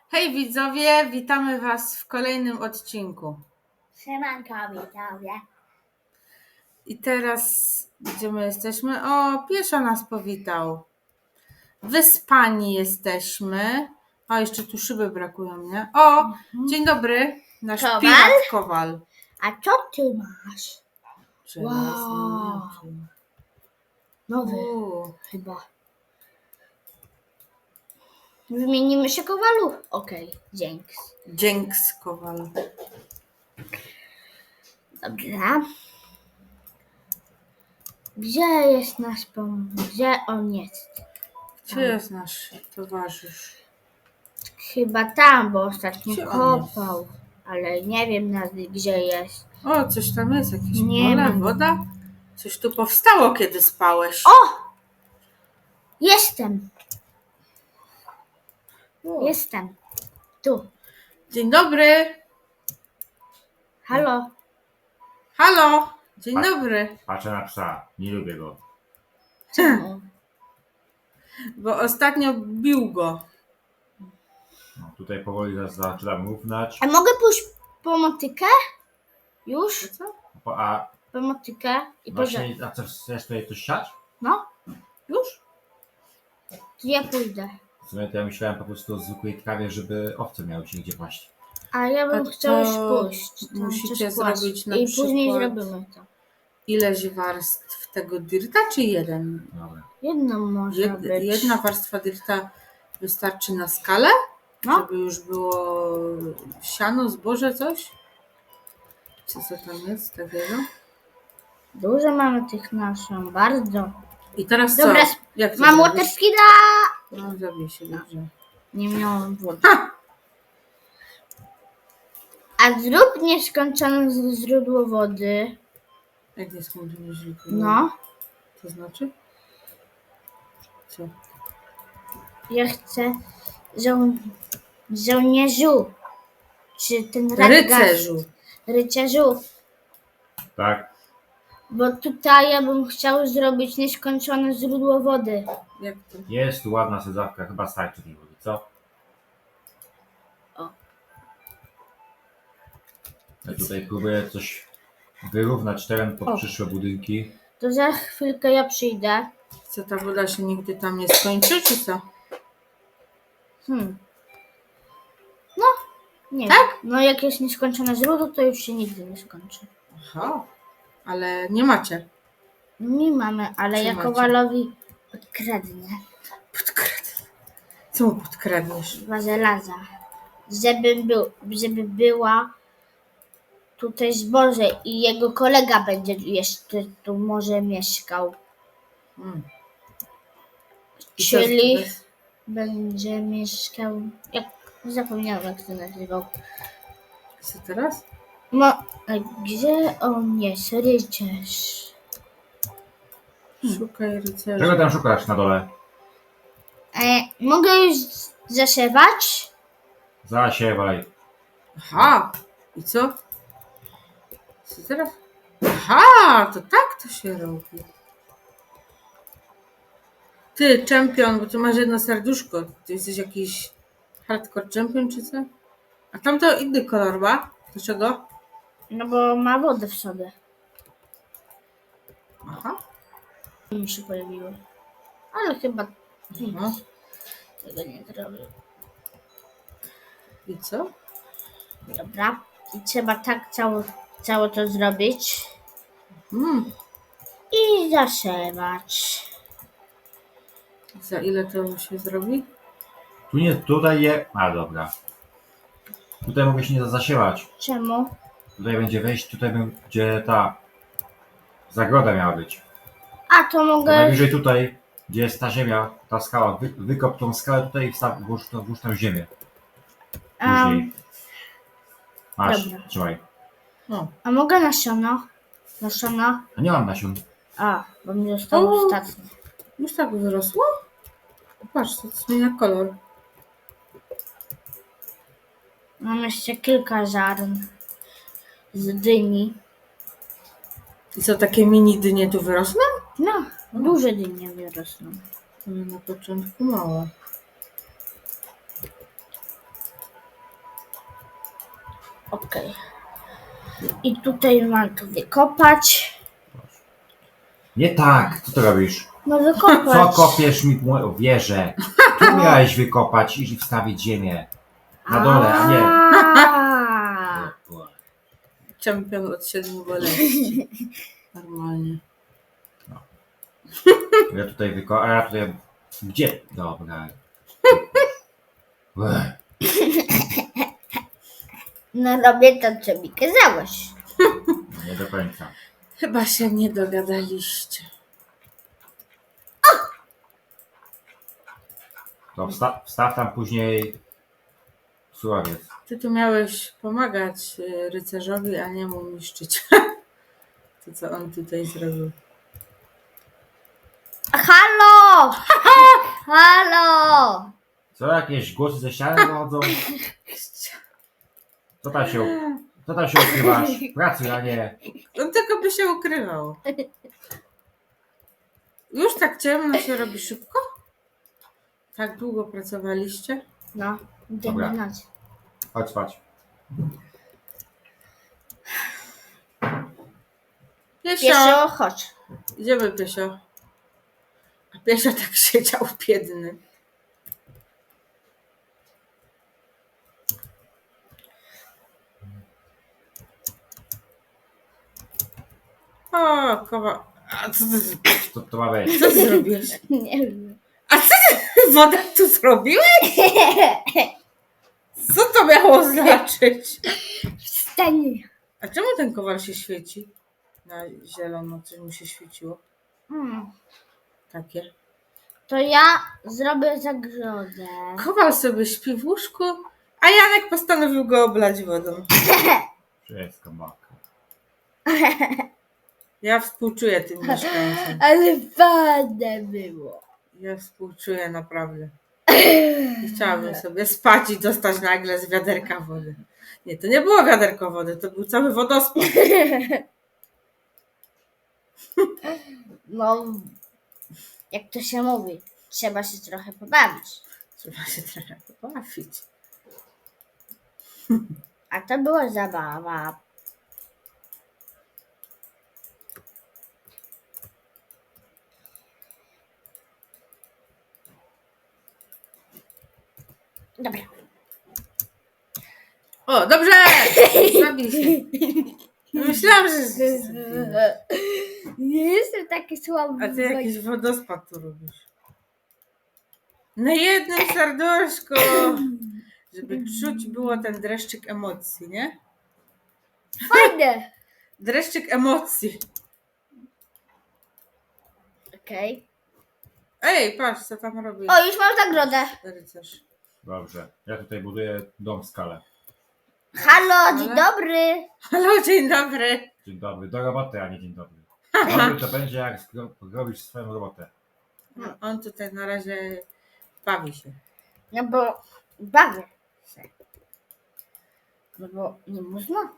Hej widzowie, witamy Was w kolejnym odcinku. Siemanko widzowie. I teraz gdzie my jesteśmy? O, pieszo nas powitał. Wyspani jesteśmy. O, jeszcze tu szyby brakują, nie? O, dzień dobry, nasz Kowal? pirat Kowal. A co ty masz? Żelazny Wow. miecz. Nowy U, chyba. Wymienimy się Kowalu? Okej, dzięki. Dzięks Kowal. Dobra. Gdzie jest nasz pomysł? Gdzie on jest? Gdzie jest nasz towarzysz? Chyba tam, bo ostatnio Gdzie on kopał. Ale nie wiem gdzie jest. O, coś tam jest, jakieś Nie pole, wiem. woda? Coś tu powstało, kiedy spałeś. O! Jestem. O. Jestem. Tu. Dzień dobry. Halo. Halo, dzień Tak. dobry. Patrzę na psa, nie lubię go. Czemu? Bo ostatnio bił go. No, tutaj powoli zaczynam równać. A mogę pójść po motykę? Już? Co? A Po motykę i pożar. właśnie, a co, chcesz tutaj coś siać? No, Już? to ja pójdę. W sumie to ja myślałem po prostu o zwykłej trawie, żeby owce miały się gdzie paść. A ja bym A chciał już to pójść. tam musicie coś kłaść. zrobić na I później przykład- zrobimy to. Ileś warstw tego dirta, czy jeden? Dobra. Jedno może być. Jedna warstwa dirta wystarczy na skalę? No. Żeby już było siano, zboże, coś? Co tam jest takiego? Dużo mamy tych nasion, bardzo. I teraz Dobra, co? Jak to Mam zrobisz? waterskida! No, zabij się, dobrze. Nie miałam wody. Ha! A zrób nieskończone źródło wody. Jak nie skończymy źródło? No. To znaczy? Co? Ja chcę żołnierzu. Czy ten radgast? Rycerzu. Rycerzu. Tak? Bo tutaj ja bym chciał zrobić nieskończone źródło wody. Jak to? Jest tu ładna sadzawka, chyba starczy tej wody, co? O. Ja tutaj próbuję coś wyrównać teren pod O. przyszłe budynki. To za chwilkę ja przyjdę. Co, ta woda się nigdy tam nie skończy, czy co? No, nie Tak? wiem. No jak jest nieskończone źródło, to już się nigdy nie skończy. Aha, ale nie macie. Nie mamy, ale Czy ja macie? Kowalowi podkradnę Co mu podkradniesz? dwa żelaza. Żeby była tutaj zboże i jego kolega będzie jeszcze tu może mieszkał. Mm. I co Czyli to jest? będzie mieszkał. Jak zapomniałam jak to nazywał. Co teraz? No, a gdzie on jest? Rycerz. Szukaj rycerza. Czego tam szukasz na dole? Mogę już zasiewać? Zasiewaj. Aha, i co? Co teraz? Aha, to tak to się robi. Ty, czempion, bo tu masz jedno serduszko. Ty jesteś jakiś hardcore champion, czy co? A tamto inny kolor ma? Dlaczego? No bo ma wodę w sobie. Aha. Mi się pojawiło. Ale chyba No. tego nie zrobię. I co? Dobra. I trzeba tak całe to zrobić. Mm. I zasiewać. Za ile to się zrobi? Tu nie, tutaj je... A dobra. Tutaj mogę się nie zasiewać. Czemu? Tutaj będzie wejść, tutaj gdzie ta zagroda miała być. A to To mogę. najwyżej tutaj, gdzie jest ta ziemia, ta skała, wykop tą skałę tutaj i włóż tam ziemię. Później. Masz, dobra. trzymaj. No. A mogę nasiona? Nasiona? A nie mam nasion. A, bo mi zostało O. ostatnie. Już tak wyrosło? Patrz, to zmienia kolor. Mam jeszcze kilka ziarn z dyni. I co, takie mini dynie tu wyrosną? No, duże dynie wyrosną. To na początku małe. Okej. I tutaj mam to wykopać. Nie tak, co ty robisz? No Co wykopać. kopiesz mi moją wieżę? Tu miałeś wykopać i wstawić ziemię. Na dole, a nie. A. Czempion od 7 boleści. Normalnie. Ja tutaj a ja tutaj... Gdzie? Dobra. Ech, No robię to, co mi kazałeś. nie do końca. Chyba się nie dogadaliście. To wstaw tam później surowiec. Ty tu miałeś pomagać rycerzowi, a nie mu niszczyć. To, co on tutaj zrobił. Halo! Halo! Co, jakieś głosy ze ściany dochodzą? Co tam się ukrywasz? Pracuj, a nie... On tylko by się ukrywał. Już tak ciemno się robi szybko? Tak długo pracowaliście? No, Dobra. idziemy noc. Chodź spać. Piesio! Pieszo, chodź. Idziemy, Piesio. A Piesio tak siedział biedny. O, kowa. A co ty, Co to ma być? co ty zrobiłeś? Nie wiem. Wodę tu zrobiłeś? Co to miało znaczyć? Wstań. A czemu ten kowal się świeci? Na zielono, coś mu się świeciło. Takie. To ja zrobię zagrodę. Kowal sobie śpi w łóżku, a Janek postanowił go oblać wodą. Wszystko mokre. Ja współczuję tym mieszkańcom. Ale fajne było. Ja współczuję naprawdę. Nie chciałabym sobie spać i dostać nagle z wiaderka wody. Nie, to nie było wiaderko wody, to był cały wodospad. No, jak to się mówi, trzeba się trochę pobawić. Trzeba się trochę pobawić. A to była zabawa. Dobra. O, dobrze! Zabij się. Myślałam, że... Nie jestem taki słaby. A ty jakiś wodospad tu robisz. Na jednym serduszku! Żeby czuć było ten dreszczyk emocji, nie? Fajne. Dreszczyk emocji. Okej. Ej, patrz, co tam robi O, już mam zagrodę. rycerz. Dobrze. Ja tutaj buduję dom w skale. Halo, dzień dobry. Halo, dzień dobry. Dzień dobry. Do roboty, a nie dzień dobry. Dobry to będzie, jak robisz swoją robotę. No, on tutaj na razie bawi się. No bo bawię się. No bo nie można.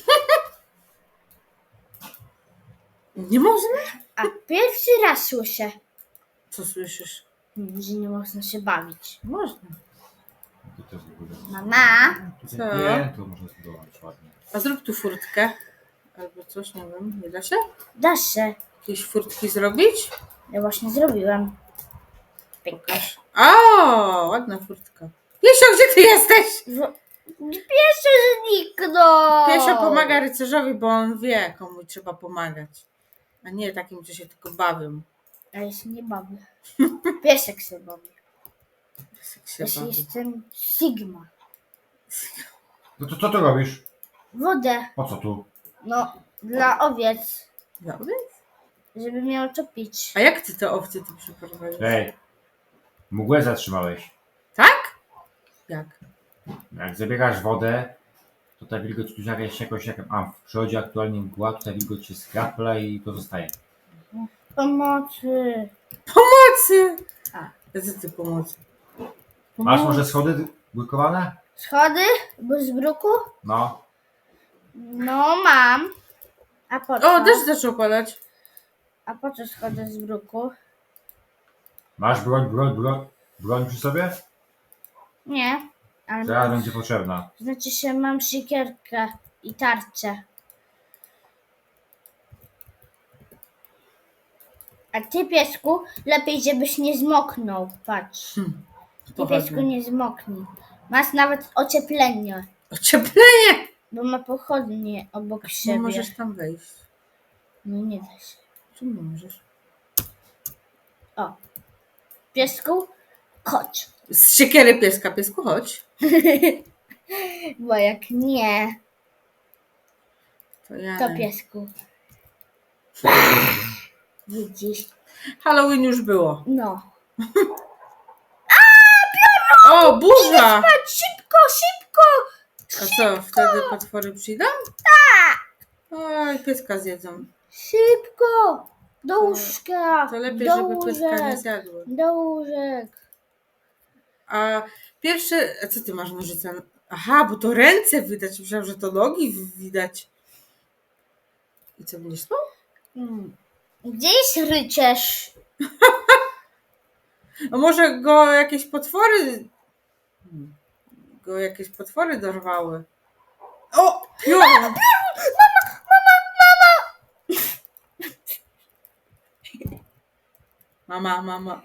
Nie można? A pierwszy raz słyszę, Co słyszysz? że nie można się bawić. Można. Tu też zbuduję. Mama, Tutaj Co? piętro można zbudować ładnie. A zrób tu furtkę. Albo coś, nie wiem. Nie da się? da się. Jakieś furtki zrobić? Ja właśnie zrobiłem. Pokaż. O, ładna furtka. Piesio, gdzie ty jesteś? Pierwszy zniknął. Piesio pomaga rycerzowi, bo on wie, komu trzeba pomagać. A nie takim, co się tylko bawią. A ja się nie bawię. Piesek się bawi. Jak się Ja się bawi. jestem Sigma. No to co tu robisz? Wodę. Po co tu? No, dla owiec. Dobry? Żeby miał co pić. A jak ty te owce tu przyprowadzisz? Ej, mgłę zatrzymałeś. Tak? Jak? Jak zabierasz wodę, to ta wilgoć tu jakoś w przyrodzie aktualnie mgła, tutaj wilgoć się skrapla i to zostaje. Pomocy. Pomocy! A. Co ty pomocy? Masz może schody błykowane? Schody? Bez bruku? No. No, mam. A po co? O, deszcz zaczął padać. A po co schody z bruku? Masz broń przy sobie? Nie. Ale Teraz będzie potrzebna. znaczy się mam siekierkę i tarczę. A ty, piesku, lepiej żebyś nie zmoknął. Patrz. Ty, piesku, Pochodnie. nie zmoknij. Masz nawet ocieplenie, Ocieplenie! bo ma pochodnie obok Nie siebie. możesz tam wejść. No nie da się. Czemu nie możesz? O. Piesku, chodź. Z siekiery pieska, piesku, chodź. Bo jak nie, To ja. to piesku. Widzisz? Halloween już było. No. O, burza! Chodź, szybko, szybko! A co, wtedy potwory przyjdą? Tak! Oj, pieska zjedzą. Szybko! Do łóżka! To lepiej, do żeby pieska nie łóżek! zjadły. Do łóżek! A pierwsze, a co ty masz nożyce? Aha, bo to ręce widać. Myślałam, że to nogi widać. I co, będziesz spał? Gdzie jest rycerz? A może go jakieś potwory dorwały? O! Piorun! Mama.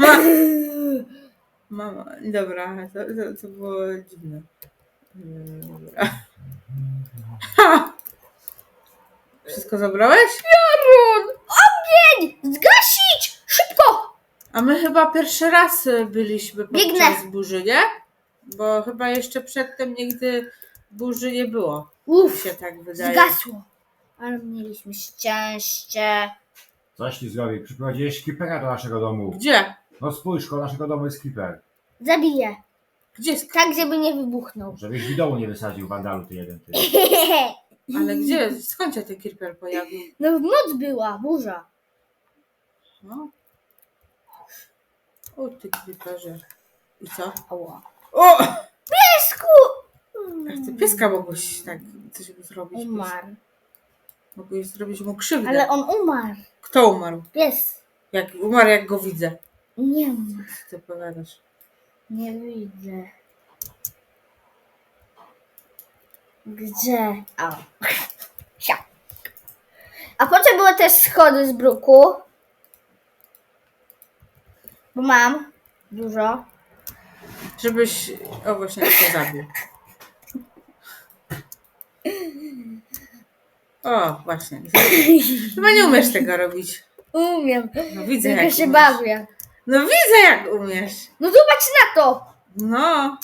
Mama. Dobra, to było dziwne. Dobra. Ha! Wszystko zabrałeś? Piorun! Ogień! Zgasić! Szybko! A my chyba pierwszy raz byliśmy Biegnę. podczas burzy, nie? Bo chyba jeszcze przedtem nigdy burzy nie było. Mi Uff, się tak wydaje. zgasło. Ale mieliśmy szczęście. Coś ci zrobi. Przyprowadziłeś creepera do naszego domu. Gdzie? No spójrz, koło naszego domu jest creeper. Zabiję. Gdzie jest? Tak, żeby nie wybuchnął. Żebyś w domu nie wysadził wandalu ty jeden ty. Ale gdzie? Skąd się ten creeper pojawił? No w noc była burza. No. O ty creeperze. I co? Ała. O! Piesku! Jak ty pieska mogłeś tak coś zrobić? Umarł. Mogłeś zrobić mu krzywdę. Ale on umarł. Kto umarł? Pies. Jak umarł, jak go widzę. Nie ma. Co ty powiadasz? Nie widzę. Gdzie? O. Sia. A po co były też schody z bruku? Bo mam dużo. Żebyś... O, właśnie się zabił. O, właśnie. Chyba nie umiesz tego robić. Umiem. No widzę, Tylko jak się umiesz. bawię. No widzę, jak umiesz. No zobacz na to. No.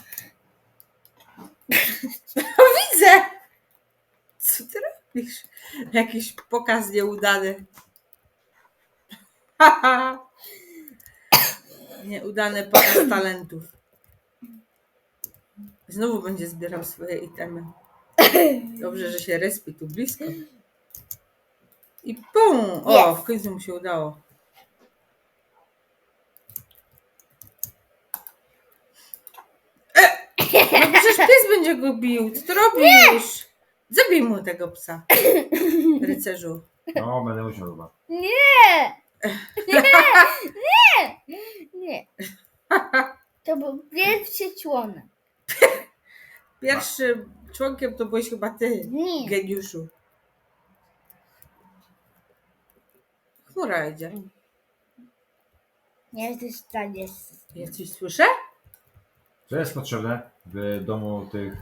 No widzę. Co ty robisz? Jakiś pokaz nieudany. Haha. Nieudany pokaz talentów. Znowu będzie zbierał swoje itemy. Dobrze, że się respi tu blisko. I pum! O, Jest. w końcu mu się udało. No przecież pies będzie go bił. Co ty robisz? Zabij mu tego psa. Rycerzu. No, będę musiał chyba. Nie. Nie. To był pierwszy członek. Pierwszym członkiem to byłeś chyba ty, Nie. geniuszu. Chmura idzie. Nie zostaniesz. Ja coś słyszę? Co jest potrzebne w domu tych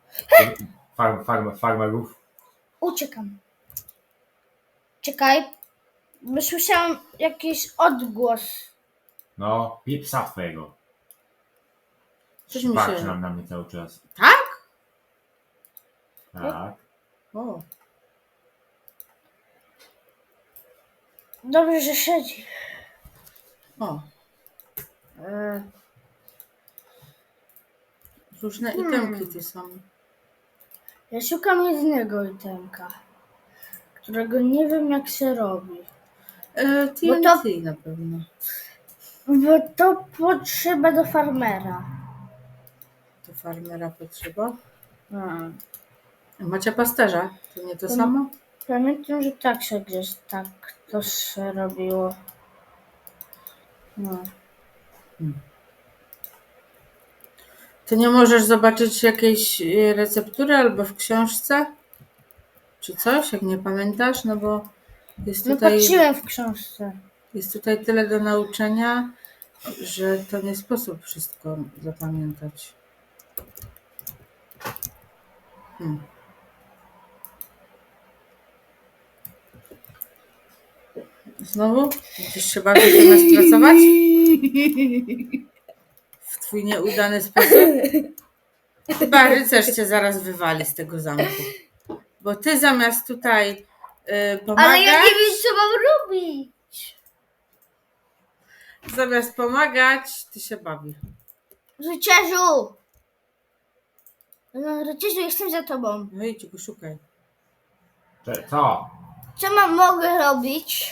farmerów? Uciekam. Czekaj. Bo słyszałam jakiś odgłos. No, pij psa twojego. Coś mi Patrzy się... na mnie cały czas. Tak? Tak. O. Dobrze, że siedzi. O. Różne itemki tu są. Ja szukam jednego itemka, którego nie wiem jak się robi. TNT na pewno. Bo to potrzeba do farmera. Do farmera potrzeba. Hmm. Macie pasterza? To nie to samo? Pamiętam, że tak się gdzieś tak to się robiło. No. Ty nie możesz zobaczyć jakiejś receptury albo w książce? Czy coś, jak nie pamiętasz? No bo jest No tutaj, patrzyłem w książce. jest tutaj tyle do nauczenia, że to nie sposób wszystko zapamiętać. Znowu? Będziesz się bawić zamiast pracować? W twój nieudany sposób? Chyba rycerz cię zaraz wywali z tego zamku. Bo ty zamiast tutaj pomagać, Ale ja nie wiem, co mam robić. zamiast pomagać, ty się bawi. Rycerzu! No, rycerzu, jestem za tobą. No idź go szukaj. Co? Co mogę robić?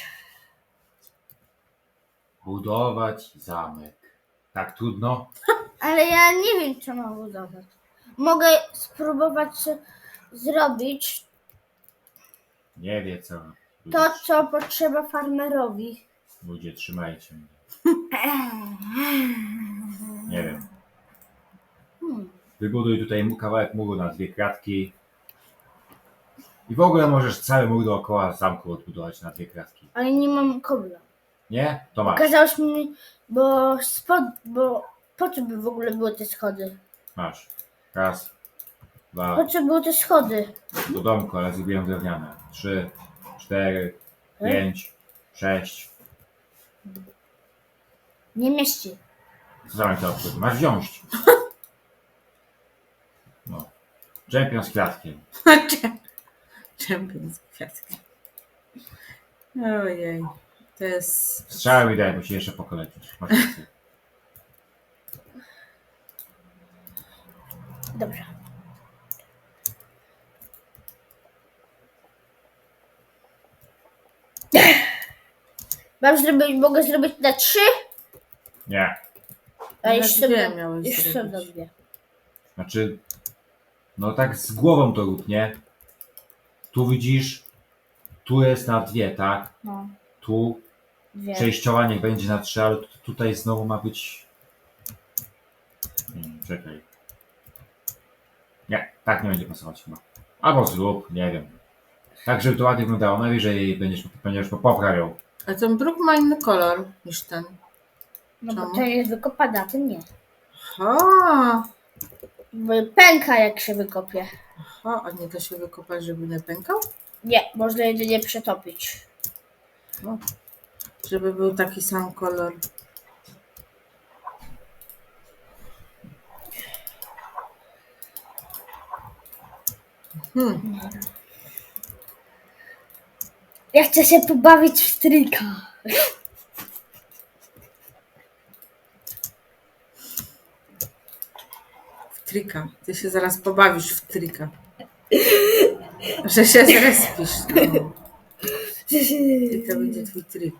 Budować zamek. Tak trudno? Ale ja nie wiem, co mam budować. Mogę spróbować zrobić Nie wie co. to, co potrzeba farmerowi. Ludzie, trzymajcie mnie. Nie wiem. Wybuduj tutaj kawałek muru na 2 kratki. I w ogóle możesz cały mur dookoła zamku odbudować na 2 kratki. Ale nie mam kobla. Nie? To masz. Okazałeś mi, bo po co by w ogóle były te schody? Masz. Raz, Po 2, co były te schody? do domku, ale zrobiłem drewniane. 3, 4, 5, 6. Nie mieści. Co zamek to obchodzi? Masz wziąć. No. Czempion z kwiatkiem. Czempion z kwiatkiem. Ojej. To jest... Strzały mi daj, bo się jeszcze pokolecisz. Masz rację. Dobra. Mogę zrobić na 3? Nie. A Na jeszcze 2 miałeś jeszcze zrobić. robię. Znaczy, no tak z głową to rób, nie? Tu widzisz, tu jest na 2, tak? No, Tu 2. przejściowa niech będzie na 3, ale tutaj znowu ma być... czekaj. Nie, tak nie będzie pasować chyba. Albo zrób, nie wiem. Tak, żeby to ładnie wyglądało. Najwyżej będziesz poprawiał. A ten bruk ma inny kolor niż ten. No bo Czemu? to jest wykopane, a ten nie. Aha, Bo pęka jak się wykopie. aha, a nie da się wykopać, żeby nie pękał? Nie, można jedynie przetopić. No. Żeby był taki sam kolor. Ja chcę się pobawić w tryka. W trika. Ty się zaraz pobawisz w trika. Że się zrespisz. No. I to będzie twój trik.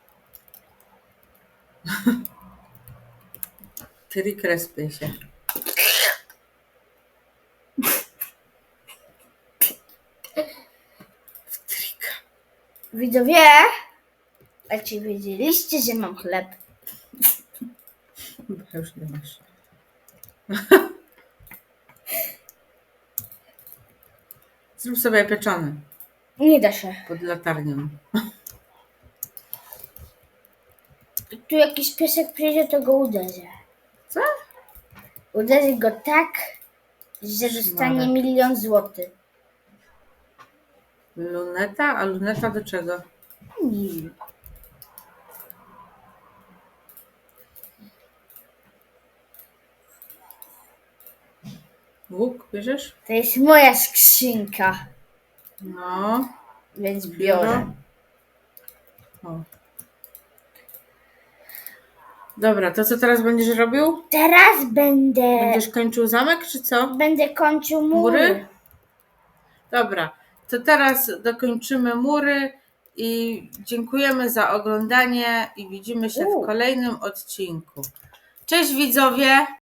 Trik respie się. W trika. Widzowie, a czy wiedzieliście, że mam chleb? Chyba już nie masz. Zrób sobie pieczony Nie da się. pod latarnią. Tu jakiś piesek przyjdzie, to go uderzę. Co? Uderzę go tak, że dostanie Szmarek. 1 000 000 złotych. Luneta? A luneta do czego? Nie wiem. Łuk bierzesz? To jest moja skrzynka, No. więc biorę. O. Dobra, to co teraz będziesz robił? Teraz będę Kończył zamek, czy co? kończył mury. Mury? Dobra, to teraz dokończymy mury i dziękujemy za oglądanie i widzimy się w kolejnym odcinku. Cześć widzowie!